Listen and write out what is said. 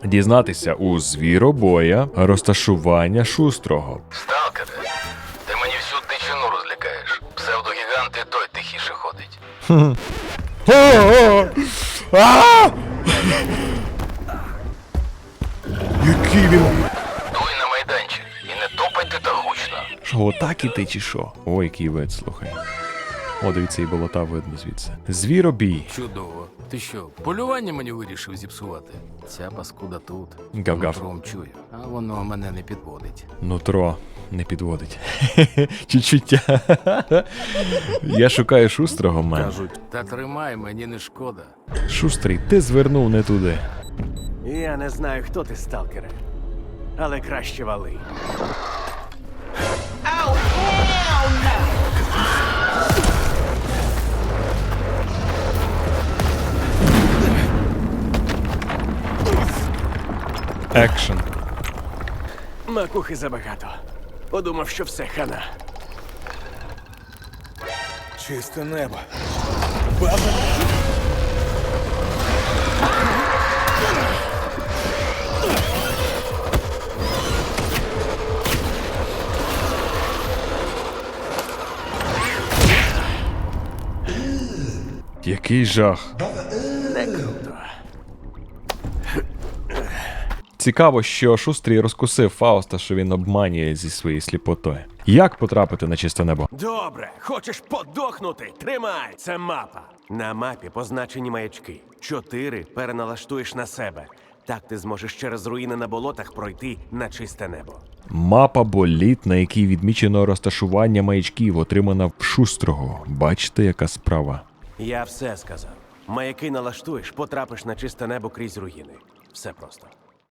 Дізнатися у звіробоя розташування Шустрого. Сталкере, ти мені всю дичину розлякаєш. Псевдогігант і той тихіше ходить. Який він... Дуй на майданчик і не топайте та гучно. Що, отак іти чи що? Ой, який вид, слухай. О, дивіться, і болота видно звідси. Звіробій. Чудово. Ти що, полювання мені вирішив зіпсувати? Ця паскуда тут. Гав-гав. Нутром чую, а воно мене не підводить. Нутро не підводить. Чуть-чуття. Я шукаю Шустрого, мен. Кажуть, та тримай, мені не шкода. Шустрий, ти звернув не туди. Я не знаю, хто ти, сталкере, але краще вали. Екшен. Макухи забагато. Подумав, що все хана. Чисте небо. Який жах. Не круто. Цікаво, що Шустрий розкусив Фауста, що він обманює зі своєю сліпотою. Як потрапити на чисте небо? Добре, хочеш подохнути? Тримай! Це мапа. На мапі позначені маячки. 4 переналаштуєш на себе. Так ти зможеш через руїни на болотах пройти на чисте небо. Мапа боліт, на якій відмічено розташування маячків, отримана в Шустрого. Бачите, яка справа? Я все сказав. Маяки налаштуєш, потрапиш на чисте небо крізь руїни. Все просто.